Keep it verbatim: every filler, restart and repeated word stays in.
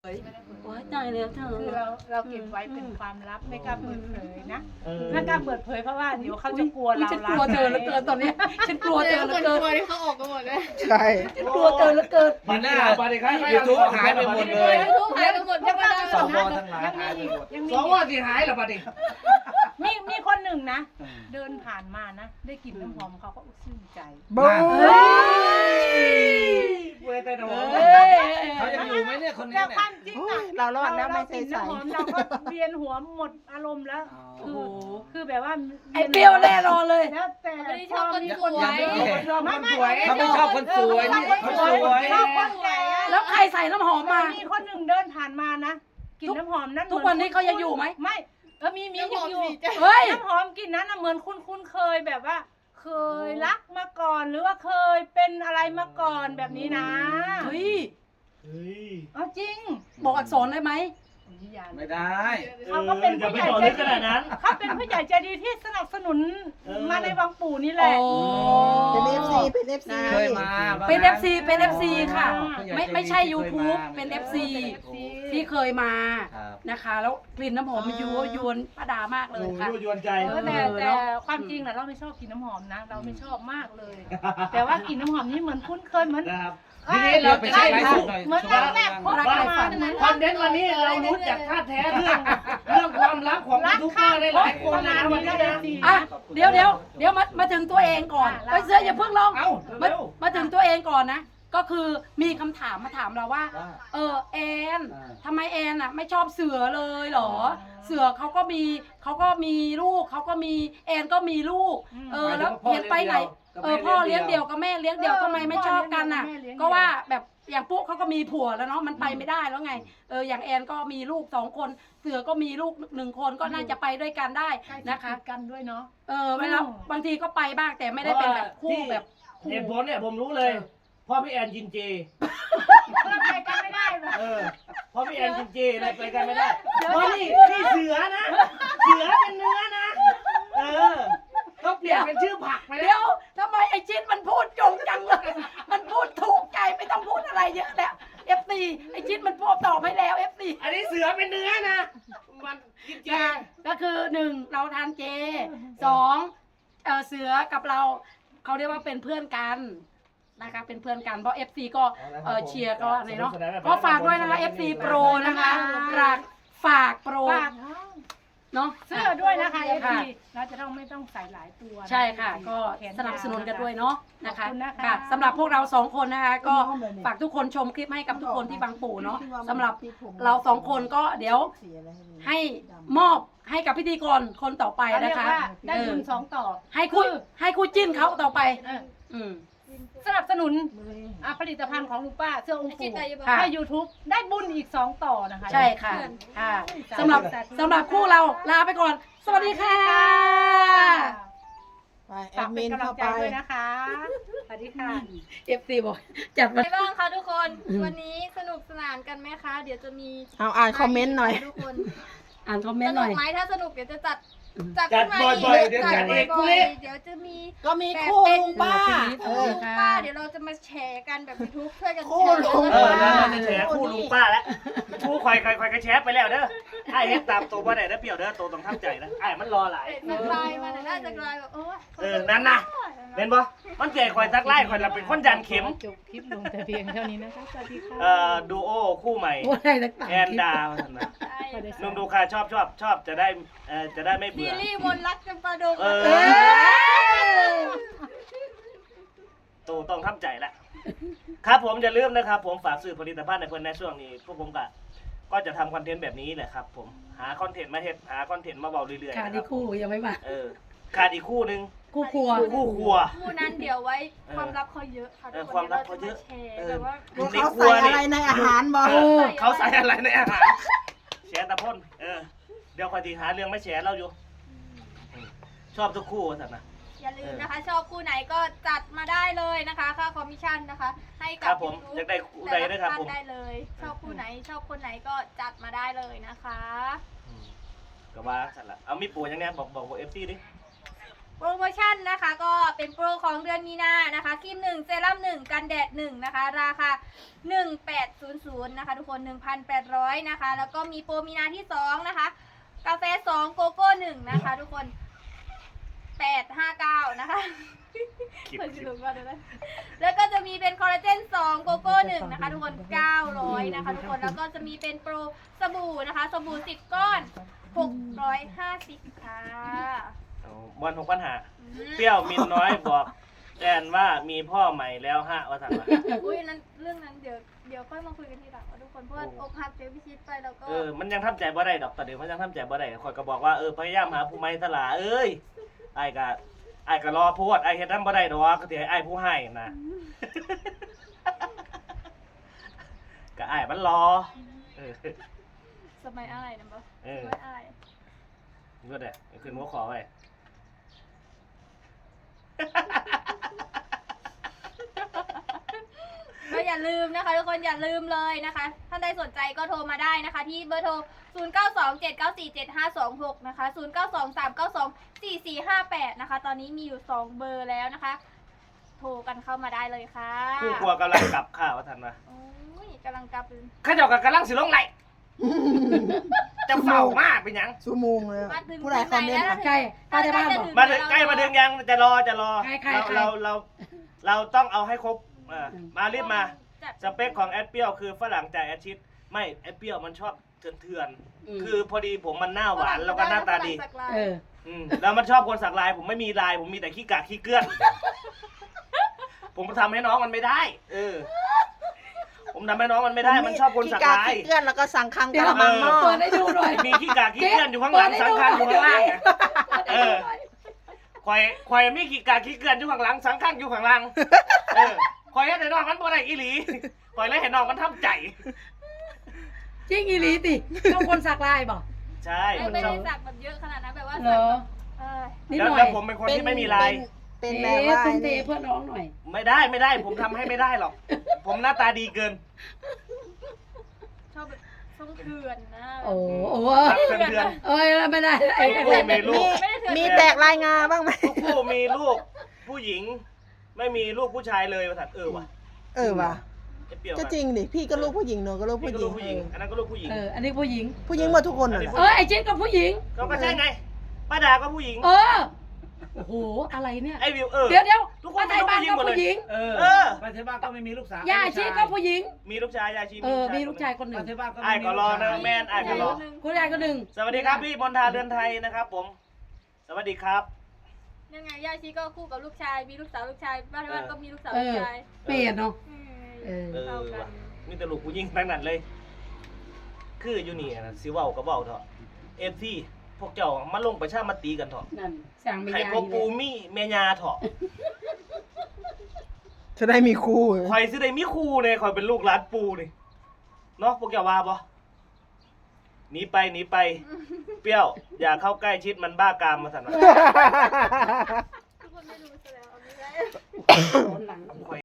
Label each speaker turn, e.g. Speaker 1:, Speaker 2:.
Speaker 1: โอ้ยตายแล้วเธอ
Speaker 2: คือเราเราเก็บไว้เป็นความลับไม่กล้าเปิดเผยนะไม่กล้าเปิดเผยเพราะว่าเดี๋ยวเขาจะกลัวเรา
Speaker 1: ฉันกลัวเธอเหลือเกินตอนนี้ฉันกลัวเธอเหลือเกิน
Speaker 3: ที่เขาออกกันหมดเลย
Speaker 4: ใช่
Speaker 1: ฉันกลัวเธอเหลือเกิน
Speaker 5: มันหน้ายูทูบหายไปหมดเลย
Speaker 3: ทุกหายไปหมดยังไม่ได้
Speaker 5: สวทั้งหลายหายไปหมด
Speaker 2: ยังมี
Speaker 5: สวที่หายเหรอปะดิ
Speaker 2: มีมีคนหนึ่งนะเดินผ่านมานะได้กลิ่นน้ำหอมเขาก็ชื่นใจ
Speaker 4: บู๊
Speaker 5: เว้ยแต่หนู
Speaker 1: เฮ้ย
Speaker 5: เขายังอยู่ไหมเนี่ยคนนี้
Speaker 2: แต่
Speaker 5: เนี่ย
Speaker 2: ความจริงอะ
Speaker 4: เรารอดแล้วไม่
Speaker 2: ก
Speaker 4: ใส่
Speaker 2: ลิ่น
Speaker 4: ใส่
Speaker 2: น้ำหอมเราก็เวียนหัวหมดอารมณ์แล้ว
Speaker 1: โอ้โห
Speaker 2: คือแบบว่า
Speaker 1: ไอ้เปรี้ยวแน่นอนเลย
Speaker 2: แล้วแต่
Speaker 3: ไม่ได้ชอบคนสวย
Speaker 5: ยังไม่เห็น
Speaker 2: ไม่ไม่
Speaker 5: เขาไม่ชอบคนสวยนี่เขาสวย
Speaker 2: ชอบคนแก่อะ
Speaker 1: แล้วใครใส่น้ำหอมมา
Speaker 2: มีคนหนึ่งเดินผ่านมานะกลิ่นน้ำหอมนั้น
Speaker 1: ทุกวันนี้เขายังอยู่ไหม
Speaker 2: ไม่เออมีมีอยู่อยู่
Speaker 1: เฮ้ย
Speaker 2: น้ำหอมกลิ่นนั้นน่ะเหมือนคุณคุณเคยแบบว่า เคยรักมาก่อนหรือว่าเคยเป็นอะไรมาก่อนแบบนี้นะ
Speaker 1: เฮ้ย
Speaker 2: เอาจริง
Speaker 1: บอกอักษรได้ไหม
Speaker 5: ไม่ได้
Speaker 2: เขาก็เป็นผู้ใหญ่ใจดีเขาเป็นผู้ใหญ่ใจดีที่สนับสนุนมาในวังปู่นี่แหละ
Speaker 1: โอ้
Speaker 4: เป็นเอฟซีเป็นเอฟซี
Speaker 5: เคยมา
Speaker 1: เป็น เอฟ ซี เป็น เอฟ ซี ค่ะ
Speaker 5: ผู้ใหญ่
Speaker 1: ไม่
Speaker 5: ใจดี
Speaker 1: ไม่ใช่
Speaker 5: ที่เคย
Speaker 1: YouTube
Speaker 5: มา
Speaker 1: เป็น เอฟ ซี
Speaker 2: เอฟซี
Speaker 1: ที่เคยมา
Speaker 5: ครับ
Speaker 1: นะคะ แล้วกลิ่นน้ำหอมมันยั่วยวนป้าดามากเลยค่ะ
Speaker 5: ยวนใจ
Speaker 2: เออแต่
Speaker 1: เออ
Speaker 2: แต่
Speaker 1: เนอะ
Speaker 2: ความจริงน่ะเราไม่ชอบกลิ่นน้ำหอมนะ เราไม่ชอบมากเลย แต่ว่ากลิ่นน้ำหอมนี่เหมือนคุ้นเคยเหมือน
Speaker 5: นะครับ
Speaker 2: เอ้ย
Speaker 5: ทีนี้เราไปใช้ไลฟ์สดหน่อย
Speaker 2: เหมือนรักแรกพบ
Speaker 1: รัก
Speaker 2: กัน
Speaker 1: ใครฝั
Speaker 2: มาน เหมือน
Speaker 5: คอนเทนต์วันนี้เรารู้จักท่าแท้เรื่องเรื่องความรักของยูทูบเบอร์ได้หลายคนนะวันนี้นะ
Speaker 1: อ่ะเดี๋ยวเดี๋ยวเดี๋ยวมามาถึงตัวเองก่อนไปเสื้ออย่าเพิ่งลง
Speaker 5: เอ้า
Speaker 1: มา
Speaker 5: เร็ว
Speaker 1: มาถึงตัวเองก่อนนะ ก็คือมีคำถามมาถามเราว่า
Speaker 5: ว่า
Speaker 1: เออแอน
Speaker 5: อ่า
Speaker 1: ทำไมแอนอ่ะ ไม่ชอบเสือเลยเหรอ เสือเขาก็มีเขาก็มีลูกเขาก็มีแอนก็มีลูก เออแล้วเห็นไปไหน เออพ่อเลี้ยงเดี่ยวกับแม่เลี้ยงเดี่ยวทำไมไม่ชอบกันอ่ะ ก็ว่าแบบอย่างปุ๊เขาก็มีผัวแล้วเนาะมันไปไม่ได้แล้วไงเอออย่างแอนก็มีลูกสองคน เสือก็มีลูกหนึ่งคนก็น่าจะไปด้วยกันได้
Speaker 2: นะ
Speaker 1: นะคะ คะ
Speaker 2: กันด้วยเนาะ
Speaker 1: เออเวลาบางทีก็ไปบ้างแต่ไม่ได้เป็นแบบคู่แบบคู่
Speaker 6: เหตุผลเนี่ยผมรู้เลยพ่อพี่แอนกินเจ
Speaker 2: เราไปกันไม่ได้หรอก
Speaker 6: เออพ่อพี่แอนกินเจเลยไปกันไม่ได้เพราะนี่นี่เสือนะ เสือเป็นเนื้อนะ เออต้องเปลี่ยนเป็นชื่อผักไปแล้
Speaker 1: เดี๋ยว
Speaker 6: ว
Speaker 1: ทำไมไอชินมันพูดจงจังเลย มันพูดถูกใจไม่ต้องพูดอะไรเยอะแล้วเอฟซีไอชินมันพูดตอบให้แล้วเอฟซี
Speaker 6: อันนี้เสือเป็นเนื้อนะ มันกินเจ
Speaker 1: ก็คือหนึ่งเราทานเจสองเออเสือกับเราเขาเรียกว่าเป็นเพื่อนกันนะคะเป็นเพื่อนกันเพราะ เอฟ ซี ก็เออเชียร์ก็อะไรเนาะก็ฝากด้วยนะคะ เอฟ ซี Pro นะคะฝากฝากโปร
Speaker 2: ฝาก
Speaker 1: เนาะ
Speaker 2: เสื้อด้วยนะคะเอฟ
Speaker 1: ค่ะ
Speaker 2: ซีเราจะต้องไม่ต้องใส่หลายตัว
Speaker 1: ใช่ค่ะ ก็
Speaker 2: แขยาว
Speaker 1: สนับสนุนกันด้วยเนาะนะคะ
Speaker 2: ขอบคุณนะคะ
Speaker 1: ค่ะสำหรับพวกเราสองคนนะคะ ก็ฝากทุกคนชมคลิปให้กับทุกคนที่บางปู่เนาะสำหรับเราสองคนก็เดี๋ยวให้มอบให้กับพิธีกรคนต่อไป
Speaker 2: เขาเรี
Speaker 1: นะ
Speaker 2: ยก
Speaker 1: คะ
Speaker 2: ว่าได้บุญสองต่อ
Speaker 1: ให้คู่ให้คู่จิ้นเขาต่อไป
Speaker 2: เออ
Speaker 1: อืม
Speaker 2: สนับสนุนอ่ะผลิตภัณฑ์ของลุงป้าเสื้อองค์
Speaker 3: จิ
Speaker 2: ปู่
Speaker 3: ตใจอยู่บ้าง
Speaker 1: ค่ะ
Speaker 2: ให้ YouTube ได้บุญอีกสองต่อนะคะ
Speaker 1: ใช่ค่ะค่ะสำหรับสำหรับคู่เราลาไปก่อน สวัสดีค่ะ
Speaker 4: ไปแอ
Speaker 2: ฝาก
Speaker 4: ด
Speaker 2: เป็
Speaker 4: มิ
Speaker 2: น
Speaker 4: น
Speaker 2: กำลั
Speaker 4: เข้าง
Speaker 2: ใจ
Speaker 4: ไป
Speaker 2: ด้วยนะคะ สวัสดีค่ะ
Speaker 1: เอฟซีบอกจัดมา
Speaker 3: ไงบ้างคะทุกคน วันนี้สนุกสนานกันไหมคะ เดี๋ยวจะมี
Speaker 4: เอาอ่านคอมเมนต์หน่อย
Speaker 3: ทุกคน
Speaker 1: อ่านคอมเม
Speaker 3: ส
Speaker 1: นต์ห
Speaker 3: นุ
Speaker 1: น่
Speaker 3: ก
Speaker 1: อย
Speaker 3: ไหมถ้าสนุกเดี๋ยวจะจัดจัด
Speaker 6: จัด
Speaker 3: ขึ้นมา
Speaker 6: บ่อยๆเดี๋ยวจัดอีก
Speaker 3: บ่
Speaker 6: พรุ่ง
Speaker 3: อย
Speaker 6: นี้
Speaker 3: ๆเดี๋ยวจะมี
Speaker 4: ก็มีคู่ลุงป้า
Speaker 1: เอ
Speaker 4: เอ
Speaker 1: อ
Speaker 4: อ
Speaker 3: ลุงป้าเดี๋ยวเราจะมาแชร์กันแบบยูทูบช่วยกัน
Speaker 4: คู่
Speaker 3: แชร์
Speaker 4: ลุง
Speaker 6: เออ
Speaker 4: ป้า
Speaker 6: นั่นจะแฉคู่ลุงป้าแล้วคู่คอยคอยคอยกระแชไปแล้วเด้อไอ้เฮ็ดตามตัวว่าไหนนะเปรียวเด้อตัวต้องทำใจนะไอ้มันรอหลาย
Speaker 3: จะกลายมาน่าจะกลายแบบโอ้ย
Speaker 6: เออนั่นนะเป็นบ่มันเก่คอยซักไล่คอยเราเป็นคนยันเข็ม
Speaker 2: จบคลิปลงแต่เพียงเท่านี้นะคะ สวัสดีค่ะ
Speaker 6: เอ่อดูโอคู่ใหม่
Speaker 1: โอ้ยต่างๆ
Speaker 6: แอนดาว่าซั่นนะ
Speaker 3: ใช่
Speaker 6: นุ่มดูค่ะชอบชอบชอบจะได้เอ่อจะได้ไม่
Speaker 3: ซี
Speaker 6: เบื่อ
Speaker 3: รีส์มนต์รักจำปาดง
Speaker 6: เออ
Speaker 1: เออ
Speaker 6: ตูต้องทำใจละครับผมอย่าลืมนะครับ ผมฝากซื้อผลิตภัณฑ์ในเพิ่นในช่วงนี้พวกผมก็ก็จะทำคอนเทนต์แบบนี้แหละครับ ผมหาคอนเทนต์มาเฮ็ดหาคอนเทนต์มาเบาเรื่อยๆ
Speaker 1: ขาด
Speaker 6: นะค
Speaker 1: อี
Speaker 6: รั
Speaker 1: ก
Speaker 6: บ
Speaker 1: คู่ยังไม่มา
Speaker 6: เออขาดอีกคู่หนึง
Speaker 1: คู่ครัว
Speaker 6: คู่ครัว
Speaker 3: คู่นั้นเดี๋ยวไว้ความลับเขาเยอะค่ะ
Speaker 6: เออ
Speaker 3: ทุก
Speaker 6: ความลับเขาเยอะ
Speaker 3: ดี๋วรจมแชร์แบบว่า
Speaker 4: เขาใส่อะไรในอาหารบอก
Speaker 6: เออเขาใส่อะไรในอาหารแชร์ตะพ่นเออเดี๋ยวคอยทีหาเรื่องไม่แชร์เราอยู่อืมชอบทุกคู่สัตว์นะ
Speaker 3: อย่าลืมนะคะ ชอบคู่ไหนก็จัดมาได้เลยนะคะค่าคอมมิชชั่นนะคะ ให้
Speaker 6: ค
Speaker 3: กั
Speaker 6: รั
Speaker 3: บบ
Speaker 6: ผม
Speaker 3: YouTube
Speaker 6: อยากได้คู่ใดนะครับผม
Speaker 3: ได้เลย ชอบคู่ไหนชอบคนไหนก็จัดมาได้เลยนะคะ
Speaker 6: อืมก็ว่าสัตว์ละเอามีปูยังไงบอกบอกบอกเอฟซีดิ
Speaker 3: โปรโมชั่นนะคะก็เป็นโปรของเดือนมีนานะคะครีมหนึ่งเซรั่มหนึ่งกันแดดหนึ่งนะคะราคาหนึ่งพันแปดร้อยนะคะทุกคน หนึ่งพันแปดร้อยนะคะแล้วก็มีโปรมีนาที่สองนะคะกาแฟสองโกโก้หนึ่งนะคะทุกคนแปดห้าเก้านะคะเพิ่งจะรู้ว่าเดี๋ยวนะแล้วก็จะมีเป็นคอลลาเจนสองโกโก้หนึ่งนะคะทุกคนเก้าร้อยนะคะทุกคนแล้วก็จะมีเป็นโปรสบู่นะคะสบู่สิบก้อนหกร้อยห้าสิบค่ะ
Speaker 6: เอาวันหกปัญหาเปรี้ยวมินน้อยบอกแอนว่ามีพ่อใหม่แล้วฮะว่าสั่งมา
Speaker 3: อุ้ยนั้นเรื่องนั้นเดี๋ยวเดี๋ยวค่อยมาคุยกันทีหลังว่าทุกคนเพราะว่าอกหักเจอพิชิตไปแล้วก็
Speaker 6: เออมันยังทำใจบ่ได้ดอกแต่เดี๋ยวมันยังทำใจบ่ได้คอยก็บอกว่าเออพยายามหาผู้ใหม่ตลาเอ้ยไอ้ายก็ไอ้ายก็รอโพดไอ้ายเฮ็ดนำบ่ได้ดอกก็สิให้ไอ้ายผู้ให้นะ ก็ไอ้ายมันรอเออ
Speaker 3: สมัยอะไรนะบ่
Speaker 6: เออ
Speaker 3: สมัยอะไร
Speaker 6: ก็ได้ขึ้นหัวขอไว้
Speaker 3: ก็อย่าลืมนะคะทุกคนอย่าลืมเลยนะคะท่านใดสนใจก็โทรมาได้นะคะที่เบอร์โทร ศูนย์ เก้า สอง เจ็ด เก้า สี่ เจ็ด ห้า สอง หก นะคะ ศูนย์ เก้า สอง สาม เก้า สอง สี่ สี่ ห้า แปด นะคะ ตอนนี้มีอยู่สองเบอร์แล้วนะคะ โทรกันเข้ามาได้เลยค่ะ
Speaker 6: คู่ครัวกำลังกลับข้าวว่าทันวะ
Speaker 3: โอ้ยกำลังกลับเลย
Speaker 6: ข้าเจ้าก็กำลังสิลงไหลจะเฝ้ามากเป็นหยัง
Speaker 4: ชั่วโมงเลยอะผู้ใดคอมเมนต์อะ
Speaker 1: ใกล้ป้าจะบ้านบอก
Speaker 6: มาถึงใกล้มาถึงยังจะรอจะรอ
Speaker 1: ใครใคร
Speaker 6: เรา
Speaker 1: ใคร
Speaker 6: เราเราเราต้องเอาให้ครบเออมารีบมา
Speaker 3: จัด
Speaker 6: สเปคของแอดเปียวคือฝรั่งใจแอดชิดไม่แอดเปียวมันชอบเถื่อนเถื่อนๆ
Speaker 1: อืม
Speaker 6: คือพอดีผมมันหน้าหวานแล้วก็หน้าตาดี
Speaker 3: ฝรั่งสักลาย
Speaker 1: เออ
Speaker 6: อืมแล้วมันชอบคนสักลาย ผมไม่มีลาย ผมมีแต่ขี้กากขี้เกลือน ผมทำให้น้องมันไม่ได้ เออ ผมทำให้น้องมันไม่ได้ มันชอบคนสักลาย
Speaker 4: ขี้เกลื่อนแล้วก็สั่งคัง
Speaker 1: เดี๋
Speaker 4: ก
Speaker 1: ยว
Speaker 4: ระมังหม้อ
Speaker 1: เปิดให้ดูหน่อย
Speaker 6: มีขี้กากขี้เกลือนอยู่ข้างหลังสังคังอยู่ข้างล่างไงเออควายควายมีขี้กากขี้เกลือนอยู่ข้างหลังสังคังอยู่ข้างล่างเออควายให้น้องมันบ่ได้อีหลีควายเลยให้น้องมันทำใจ
Speaker 1: จริงอีหลีติต้องคนสักลายบอก
Speaker 6: ใช่
Speaker 3: ไม่
Speaker 6: มัน
Speaker 3: ไม่
Speaker 6: ชอ
Speaker 3: ได้
Speaker 6: บ
Speaker 3: สักแบบเยอะขนาดนั้นแบบว่า
Speaker 1: เหร
Speaker 3: สัก
Speaker 1: อ
Speaker 3: แบบเออ
Speaker 1: นิด
Speaker 6: แล้ว
Speaker 1: หน่อย
Speaker 6: แล้วผมเป็นคนที่ไม่มีลาย
Speaker 4: เป็น
Speaker 1: เอ๊
Speaker 4: แบบว่า
Speaker 1: ะทุ่มเทเพื่อน้องหน่อย
Speaker 6: ไม่ได้ไม่ได้ ผมทำให้ไม่ได้หรอก ผมหน้าตาดีเกิน
Speaker 3: ชอบแบบทรงเถื่อนนะ
Speaker 1: โอ้โห
Speaker 6: รักเพื่อน
Speaker 1: เอ้ยไม่ได้ไอ้
Speaker 6: ๆผู้มีลู
Speaker 4: มี
Speaker 6: ก
Speaker 3: ไม่ได้เถื่อน
Speaker 4: มีแตกรายงานบ้างไหม
Speaker 6: ทุกผู้มีลูก ผู้หญิง ไม่มีลูกผู้ชายเลยว่าสัตว์เออว่ะ
Speaker 4: เออว่ะ
Speaker 6: ไอ้เปรี้ยว
Speaker 4: ก็จริงดิพี่ก็ลูกผู้หญิงหนูก็ลูก
Speaker 6: พี่
Speaker 4: ผู้
Speaker 6: ก็
Speaker 4: หญิ
Speaker 6: ลู
Speaker 4: ง
Speaker 6: กผู้หญิง อันนั้นก็ลูกผู้หญิง
Speaker 1: เอออันนี้ผู้หญิง
Speaker 4: ผู้หญิงหมดทุกคนน่ะ
Speaker 1: เออไอ้เจ๊ก็ผู้หญิง
Speaker 6: ก็ก็ใช่ไง ป้าดาก็ผู้หญิง
Speaker 1: เออโอ้โหอะไรเนี่ย
Speaker 6: ไอ้วิวเออ
Speaker 1: เดี๋ยวเดี๋ยว
Speaker 6: ทุกคน
Speaker 1: ป้าไทยบ้านก็ผู้หญิง
Speaker 5: เออ
Speaker 6: เออ
Speaker 5: ปัจจุบันก็ไม่มีลูกสาว
Speaker 1: ย่าชีก็ผู้หญิง
Speaker 6: มีลูกชายยายชี
Speaker 1: เออมีลูกชายคนหนึ่
Speaker 5: ปั
Speaker 1: ง
Speaker 5: จจุบันก็
Speaker 6: ไอ้ก็รอนะแม่นไอ้ก็รอ
Speaker 1: คุณยายก็หนึ่ง
Speaker 6: สวัสดีครับพี่มนทาเรือนไทยนะครับผม สวัสดีครับ
Speaker 3: ยังไงย่าชีก็คู่กับลูกชาย มีลูกสาวลูกชายบ้านที่บ้านก็มีลูกสาว
Speaker 1: เอ
Speaker 3: ลูก
Speaker 1: อ
Speaker 3: ชาย
Speaker 1: เปลี่ยนเนาะ
Speaker 3: เออ
Speaker 1: เออ
Speaker 6: เออ
Speaker 3: เข้ากั
Speaker 6: ว่ะ
Speaker 3: น
Speaker 6: มีแต่ลูกผู้หญิงทั้งนั้นเลย คืออยู่นี่นะสิเว้าก็เว้าเถอะเอฟซีพวกเจ้ามาลงประชามติกันเถอะ
Speaker 1: นั่นสั่งไม่
Speaker 6: ไข่
Speaker 1: ยา
Speaker 6: พวกปูมีเมียาเถอะ
Speaker 4: จะได้มีคู่
Speaker 6: ข่อยสิได้มีครูเนี่ยข่อยเป็นลูกหลานปูนี่เนาะพวกเจ้าว่าบ่หนีไปหนีไป เปรี้ยว อย่าเข้าใกล้ชิดมันบ้ากามมาสั่นว่า
Speaker 3: ทุกคนไม่รู้ซะแล้วเอาไม่ได้
Speaker 1: โดนหลัง
Speaker 6: ข่อย